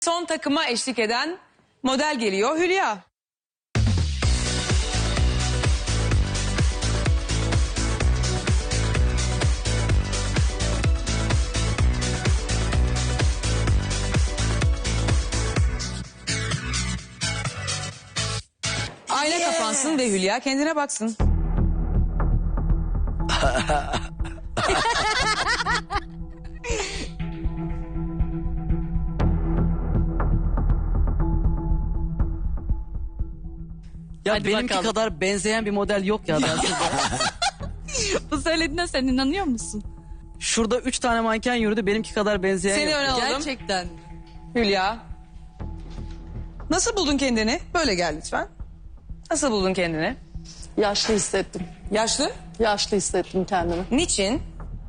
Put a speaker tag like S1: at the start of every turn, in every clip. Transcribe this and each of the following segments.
S1: Son takıma eşlik eden model geliyor Hülya. Ayna kapansın ve Hülya kendine baksın.
S2: Ya
S3: Hadi
S2: benimki
S3: bakalım.
S2: kadar benzeyen bir model yok ya.
S3: Bu söylediğine sen inanıyor musun?
S2: Şurada 3 tane manken yürüdü, benimki kadar benzeyen
S1: Seni
S2: yok.
S1: öne alalım.
S3: Gerçekten.
S1: Hülya. Nasıl buldun kendini? Böyle gel lütfen. Nasıl buldun kendini?
S4: Yaşlı hissettim.
S1: Yaşlı?
S4: Yaşlı hissettim kendimi.
S1: Niçin?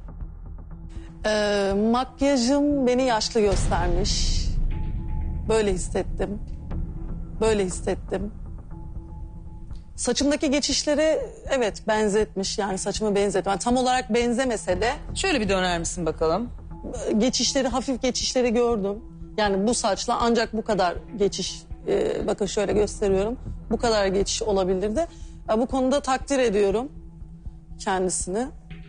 S4: Makyajım beni yaşlı göstermiş. Böyle hissettim. Böyle hissettim. Saçımdaki geçişleri evet benzetmiş. Yani saçımı benzetmiş. Yani tam olarak benzemese de
S1: Şöyle bir döner misin bakalım?
S4: geçişleri, hafif geçişleri gördüm. Yani bu saçla ancak bu kadar geçiş, bakın şöyle gösteriyorum. Bu kadar geçiş olabilirdi. Bu konuda takdir ediyorum kendisini.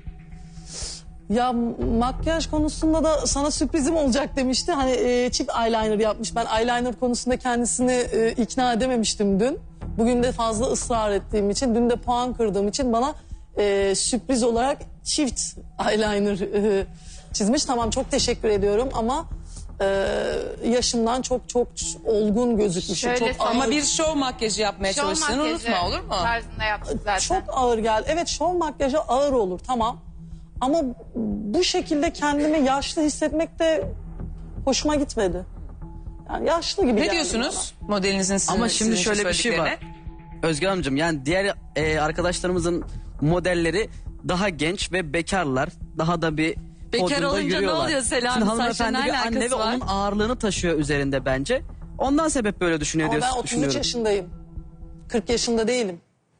S4: Ya makyaj konusunda da sana sürprizim olacak demişti. Hani çift eyeliner yapmış. Ben eyeliner konusunda kendisini ikna edememiştim dün. Bugün de fazla ısrar ettiğim için, dün de puan kırdığım için bana sürpriz olarak çift eyeliner çizmiş. Tamam, çok teşekkür ediyorum ama yaşımdan çok olgun gözükmüşüm.
S5: Şöyle
S4: Çok ağır,
S1: Ama bir şov makyajı yapmaya
S5: şov
S1: çalıştığını
S5: makyajı
S1: unutma, olur mu?
S5: tarzında yaptık zaten.
S4: çok ağır geldi. Evet, şov makyajı ağır olur, tamam. Ama bu şekilde kendimi yaşlı hissetmek de hoşuma gitmedi. Yani yaşlı gibi
S1: Ne
S4: geldi
S1: diyorsunuz modelinizin sizin,
S2: Ama şimdi
S1: sizin
S2: şöyle bir şey var.
S1: söylediklerine?
S2: Özgür Hanımcığım, yani diğer arkadaşlarımızın modelleri daha genç ve bekarlar. Daha da bir
S3: Bekar
S2: podyumda
S3: olunca ne
S2: yürüyorlar.
S3: oluyor Selami?
S2: Şimdi
S3: Saçla
S2: hanımefendi
S3: ne
S2: bir anne
S3: alakası
S2: ve
S3: var?
S2: onun ağırlığını taşıyor üzerinde bence. Ondan sebep böyle düşünüyor
S4: Ama ben
S2: diyorsun.
S4: 33 yaşındayım. 40 yaşında değilim.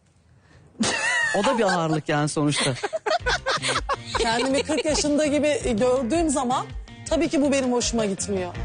S2: O da bir ağırlık yani sonuçta.
S4: Kendimi 40 yaşında gibi gördüğüm zaman tabii ki bu benim hoşuma gitmiyor.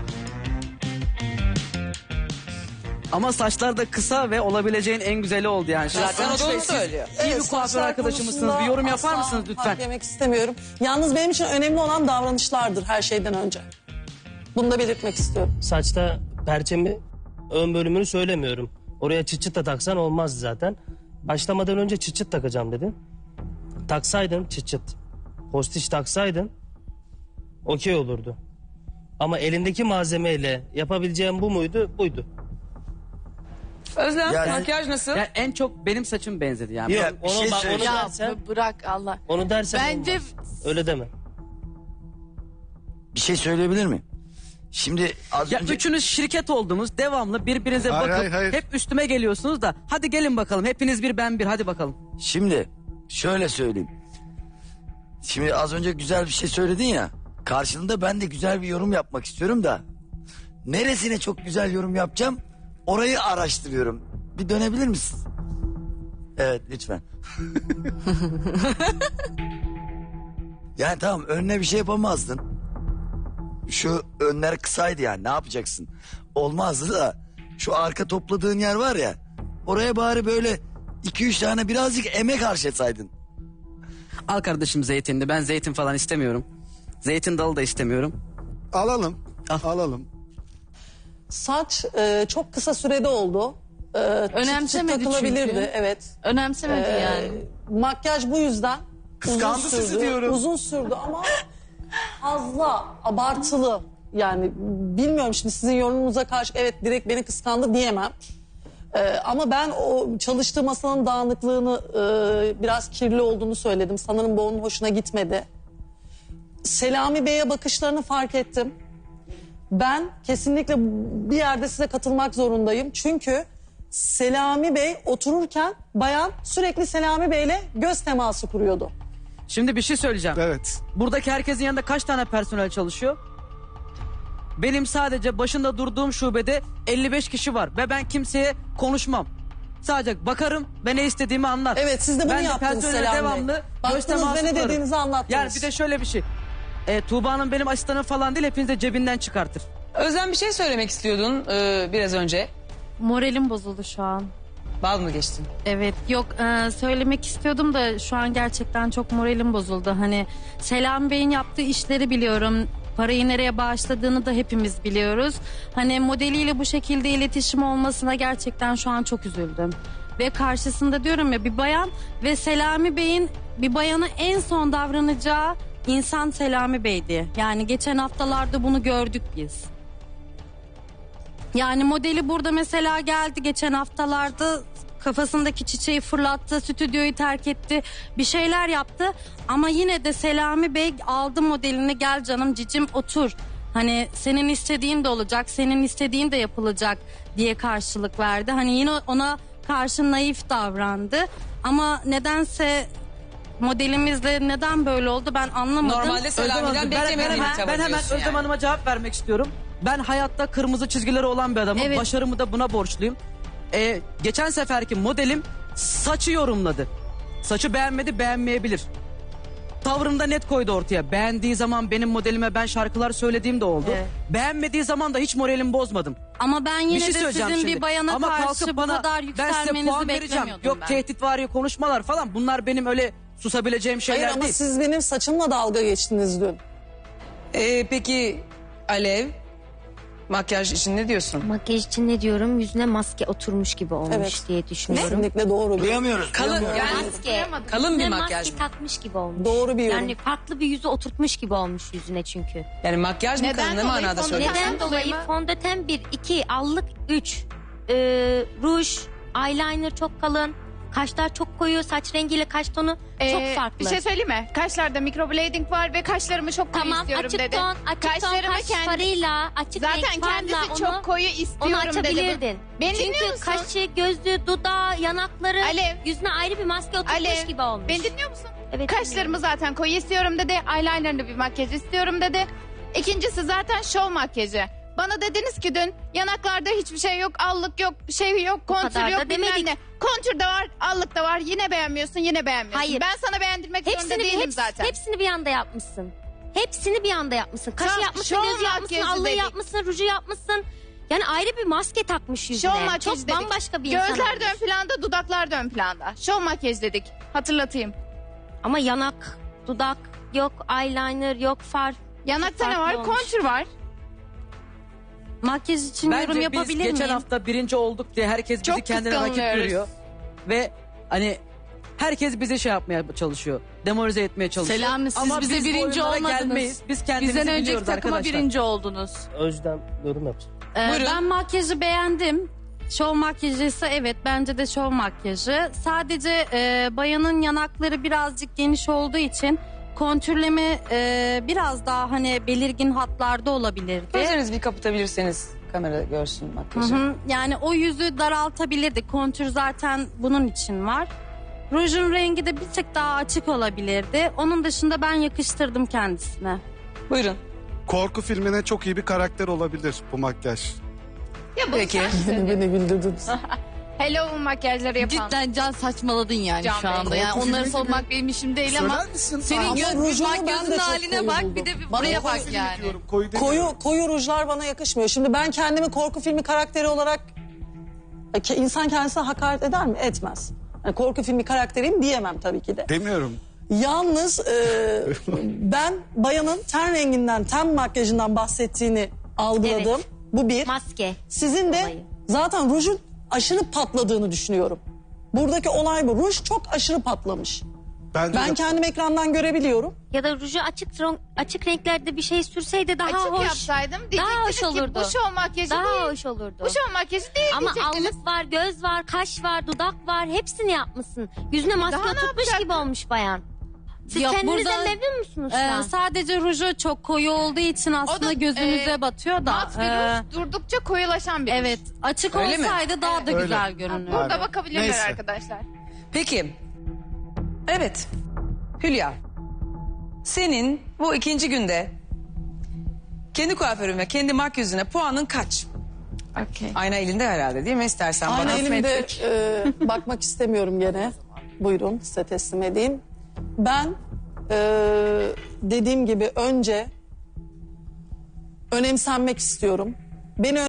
S2: Ama saçlar da kısa ve olabileceğin en güzeli oldu yani. Şimdi
S1: Zaten o
S2: Sonuç
S1: da
S2: Bey,
S1: onu
S2: siz
S1: söylüyor.
S2: İyi bir kuaför
S4: saçlar
S2: arkadaşımızsınız.
S4: konusunda
S2: Bir yorum yapar
S4: asla
S2: mısınız lütfen?
S4: hak yemek istemiyorum. Yalnız benim için önemli olan davranışlardır her şeyden önce. Bunu da belirtmek istiyorum.
S6: Saçta perçemi ön bölümünü söylemiyorum. Oraya çıt çıt da taksan olmaz zaten. Başlamadan önce çıt çıt takacağım dedin. Taksaydın çıt çıt. Postiş taksaydın okey olurdu. Ama elindeki malzemeyle yapabileceğim bu muydu? Buydu.
S1: Özlem,
S7: Yani-
S1: makyaj nasıl?
S2: Yani en çok benim saçım benzedi yani.
S7: Ya bir şey
S6: Onu
S7: söyleyeceğim.
S5: Ya
S6: dersen,
S5: bırak Allah.
S6: onu dersen
S5: Bence
S6: olmaz. Öyle deme.
S7: Bir şey söyleyebilir miyim? Şimdi az
S2: Ya
S7: önce...
S2: üçünüz şirket oldunuz, devamlı birbirinize
S7: Hayır,
S2: bakıp
S7: hayır.
S2: hep üstüme geliyorsunuz da hadi gelin bakalım, hepiniz bir ben bir, hadi bakalım.
S7: Şimdi şöyle söyleyeyim. Şimdi az önce güzel bir şey söyledin ya. Karşılığında ben de güzel bir yorum yapmak istiyorum da. Neresine çok güzel yorum yapacağım? Orayı araştırıyorum. Bir dönebilir misin? Evet, lütfen. Yani tamam, önüne bir şey yapamazdın. Şu önler kısaydı yani, ne yapacaksın? Olmazdı da şu arka topladığın yer var ya, oraya bari böyle 2-3 tane birazcık emek harcasaydın.
S2: Al kardeşim zeytinli, ben zeytin falan istemiyorum. Zeytin dalı da istemiyorum.
S8: Alalım.
S2: Al.
S8: Alalım.
S4: Saç çok kısa sürede oldu.
S3: Önemsemedi
S4: çıt çıt takılabilirdi,
S3: çünkü.
S4: evet.
S3: Önemsemedi yani.
S4: Makyaj bu yüzden
S8: Kıskandı
S4: uzun
S8: sizi
S4: sürdü.
S8: diyorum.
S4: Uzun sürdü ama fazla abartılı. Yani bilmiyorum, şimdi sizin yorumunuza karşı evet direkt beni kıskandı diyemem. Ama ben o çalıştığı masanın dağınıklığını, biraz kirli olduğunu söyledim. Sanırım bu onun hoşuna gitmedi. Selami Bey'e bakışlarını fark ettim. Ben kesinlikle bir yerde size katılmak zorundayım. Çünkü Selami Bey otururken bayan sürekli Selami Bey'le göz teması kuruyordu.
S2: Şimdi bir şey söyleyeceğim.
S8: Evet.
S2: Buradaki herkesin yanında kaç tane personel çalışıyor? Benim sadece başında durduğum şubede 55 kişi var ve ben kimseye konuşmam. Sadece bakarım ve ne istediğimi anlar.
S4: Evet, siz de bunu
S2: ben
S4: yaptınız
S2: personele
S4: Selami Bey.
S2: devamlı göz
S4: Baktınız
S2: teması
S4: ve ne
S2: kurarım.
S4: dediğinizi anlattınız.
S2: Yani bir de şöyle bir şey. Tuğba Hanım benim asistanım falan değil, hepiniz de cebinden çıkartır.
S1: Özlem bir şey söylemek istiyordun biraz önce.
S3: Moralim bozuldu şu an.
S1: Bal mı geçtin?
S3: Evet yok söylemek istiyordum da şu an gerçekten çok moralim bozuldu. Hani Selami Bey'in yaptığı işleri biliyorum. Parayı nereye bağışladığını da hepimiz biliyoruz. Hani modeliyle bu şekilde iletişim olmasına gerçekten şu an çok üzüldüm. Ve karşısında diyorum ya bir bayan ve Selami Bey'in bir bayana en son davranacağı insan Selami Bey'di. Yani geçen haftalarda bunu gördük biz. Yani modeli burada mesela geldi geçen haftalarda kafasındaki çiçeği fırlattı, stüdyoyu terk etti, bir şeyler yaptı. Ama yine de Selami Bey aldı modelini, gel canım cicim otur. Hani senin istediğin de olacak, senin istediğin de yapılacak diye karşılık verdi. Hani yine ona karşı naif davrandı. Ama nedense modelimizle neden böyle oldu ben anlamadım.
S1: Normalde Selami'den beklemediğim bir tavır
S2: ben hemen
S1: diyorsun
S2: Özlem
S1: yani.
S2: Hanım'a cevap vermek istiyorum. Ben hayatta kırmızı çizgileri olan bir adamım.
S3: Evet.
S2: Başarımı da buna borçluyum. Geçen seferki modelim saçı yorumladı. Saçı beğenmedi, beğenmeyebilir. Tavrını da net koydu ortaya. Beğendiği zaman benim modelime ben şarkılar söylediğim de oldu.
S3: Evet.
S2: Beğenmediği zaman da hiç moralimi bozmadım.
S3: Ama ben
S2: Bir
S3: yine
S2: şey
S3: de
S2: söyleyeceğim
S3: sizin
S2: şimdi.
S3: bir bayana
S2: Ama
S3: karşı
S2: kalkıp
S3: bu
S2: bana
S3: kadar
S2: ben size
S3: yükselmenizi
S2: puan vereceğim.
S3: beklemiyordum
S2: Yok
S3: ben.
S2: tehditvari konuşmalar falan, bunlar benim öyle susabileceğim şeyler
S4: Hayır ama
S2: değil.
S4: siz benim saçımla dalga geçtiniz dün.
S1: Peki Alev, makyaj için ne diyorsun?
S5: Makyaj için ne diyorum? Yüzüne maske oturmuş gibi olmuş
S4: Evet.
S5: diye düşünüyorum.
S4: Kesinlikle doğru bir,
S7: Duyamıyoruz.
S1: Kalın
S7: duyamıyoruz.
S1: yani
S5: Maske.
S1: kalın bir
S5: Yüzüne
S1: makyaj
S5: maske
S1: mı?
S5: takmış gibi olmuş.
S4: doğru bir yorum.
S5: Yani farklı bir yüzü oturtmuş gibi olmuş yüzüne çünkü.
S1: Yani makyaj mı kalın ne manada söylüyorsun?
S5: Neden dolayı? Fondöten 1, 2, allık 3, ruj, eyeliner çok kalın, kaşlar çok koyu, saç rengiyle kaş tonu çok farklı.
S8: Bir şey söyleyeyim mi? Kaşlarda microblading var ve kaşlarımı çok koyu
S5: Tamam,
S8: istiyorum
S5: açık
S8: dedi.
S5: ton, açık ton
S8: Kaşlarımı
S5: kaş
S8: kendi-
S5: farıyla, açık
S8: Zaten
S5: renk farla
S8: kendisi
S5: onu,
S8: çok koyu
S5: onu
S8: istiyorum dedi.
S5: açabilirdin.
S8: Beni dinliyor
S5: Çünkü
S8: musun?
S5: kaşı, gözlüğü, dudağı, yanakları,
S8: Alev.
S5: yüzüne ayrı bir maske oturmuş
S8: Alev,
S5: gibi olmuş.
S8: beni dinliyor musun?
S5: Evet,
S8: Kaşlarımı zaten koyu istiyorum dedi. Eyeliner'lı bir makyaj istiyorum dedi. İkincisi zaten şov makyajı. Bana dediniz ki dün yanaklarda hiçbir şey yok, allık yok, şey yok, kontür
S5: kadar
S8: yok
S5: da
S8: bilmem
S5: demedik.
S8: ne. Kontür de var, allık da var. Yine beğenmiyorsun, yine beğenmiyorsun.
S5: Hayır.
S8: Ben sana beğendirmek zorunda değilim zaten.
S5: Hepsini bir anda yapmışsın. Hepsini bir anda yapmışsın. Kaşı
S8: Tamam,
S5: yapmışsın,
S8: şov
S5: gözü yapmışsın,
S8: makyajı
S5: allığı
S8: dedik.
S5: yapmışsın, ruju yapmışsın. Yani ayrı bir maske takmış yüzüne.
S8: Şov makyajı
S5: Çok
S8: dedik.
S5: bambaşka bir insan
S8: Gözler
S5: olmuş.
S8: de ön planda, dudaklar da ön planda. Şov makyaj dedik. Hatırlatayım.
S5: Ama yanak, dudak yok, eyeliner yok, far.
S8: Yanakta ne
S5: farklı
S8: var?
S5: olmuş.
S8: Kontür var.
S3: Makyaj için yorum
S2: Bence biz
S3: yapabilir
S2: geçen
S3: miyim?
S2: hafta birinci olduk diye herkes bizi
S8: Çok
S2: kendine rakip
S8: kıskanıyoruz.
S2: görüyor. Ve hani herkes bizi şey yapmaya çalışıyor. Demoralize etmeye çalışıyor.
S3: Selami, siz
S2: Ama
S3: bize
S2: biz bu
S3: birinci
S2: oyunlara
S3: olmadınız.
S2: gelmeyiz. Biz kendimizi
S3: Bizden önceki
S2: biliyoruz
S3: takıma
S2: arkadaşlar.
S3: birinci oldunuz.
S6: Özlem yorum yapsın.
S1: Buyurun.
S3: Ben makyajı beğendim. Şov makyajı ise evet bence de şov makyajı. Sadece bayanın yanakları birazcık geniş olduğu için kontürleme biraz daha hani belirgin hatlarda olabilirdi.
S1: Gözlerinizi bir kapatabilirseniz kamera görsün
S3: Hı
S1: makyajı.
S3: hı. Yani o yüzü daraltabilirdi. Kontür zaten bunun için var. Rujun rengi de bir tık daha açık olabilirdi. Onun dışında ben yakıştırdım kendisine.
S1: Buyurun.
S9: Korku filmine çok iyi bir karakter olabilir bu makyaj.
S8: Ya bunu
S1: Peki.
S8: sen
S4: Beni güldürdünüz.
S8: Hello makyajları yapan.
S3: Cidden Can saçmaladın yani
S8: Can
S3: şu
S8: Bey.
S3: anda. Yani
S9: Korku
S3: onları
S9: filmi
S3: savunmak benim işim değil ama
S9: Söyler misin?
S3: senin
S4: Ama rujunu ben de
S3: gözün
S4: çok
S3: haline
S4: koyu
S3: bak
S4: buldum.
S3: bir de bir
S4: Bana
S3: buraya
S4: koyu
S3: bak yani.
S9: Diyorum, koyu demiyorum.
S4: Koyu rujlar bana yakışmıyor. Şimdi ben kendimi korku filmi karakteri olarak insan kendisine hakaret eder mi? Etmez. Yani korku filmi karakteriyim diyemem tabii ki de.
S9: Demiyorum.
S4: Yalnız ben bayanın ten renginden, ten makyajından bahsettiğini algıladım.
S5: Evet.
S4: Bu bir.
S5: Maske.
S4: Sizin de
S5: Olayı.
S4: zaten rujun aşırı patladığını düşünüyorum. Buradaki olay bu. Ruj çok aşırı patlamış.
S9: Bence
S4: Ben
S9: de-
S4: kendim ekrandan görebiliyorum.
S5: Ya da ruju açık renklerde bir şey sürseydi daha
S8: Açık
S5: hoş.
S8: yapsaydım
S5: Daha
S8: diyecektiniz
S5: hoş
S8: ki
S5: olurdu.
S8: bu şov makyajı
S5: Daha
S8: değil.
S5: hoş olurdu.
S8: Bu şov makyajı değil
S5: Ama
S8: diyecektiniz.
S5: allık var, göz var, kaş var, dudak var. Hepsini yapmışsın. Yüzüne maske
S8: Daha ne
S5: oturtmuş
S8: yapacaktın?
S5: gibi olmuş bayan. Siz
S3: Yok,
S5: kendinizden
S3: burada-
S5: memnun musunuz şu an?
S3: Sadece ruju çok koyu olduğu için aslında
S8: da,
S3: gözümüze batıyor da.
S8: Mat bir ruj, durdukça koyulaşan bir ruj.
S3: Evet, açık
S1: Öyle mi?
S3: olsaydı daha da
S9: Öyle.
S3: güzel görünüyor.
S8: Burada
S9: Aynen.
S8: bakabilirler
S9: Neyse.
S8: arkadaşlar.
S1: Peki. Evet. Hülya. Senin bu ikinci günde kendi kuaförün ve kendi makyözüne puanın kaç?
S3: Okey.
S1: Ayna elinde herhalde değil mi? İstersen
S4: Aynı
S1: bana
S4: elimde bakmak istemiyorum gene. Buyurun size teslim edeyim. Ben dediğim gibi önce önemsenmek istiyorum. Beni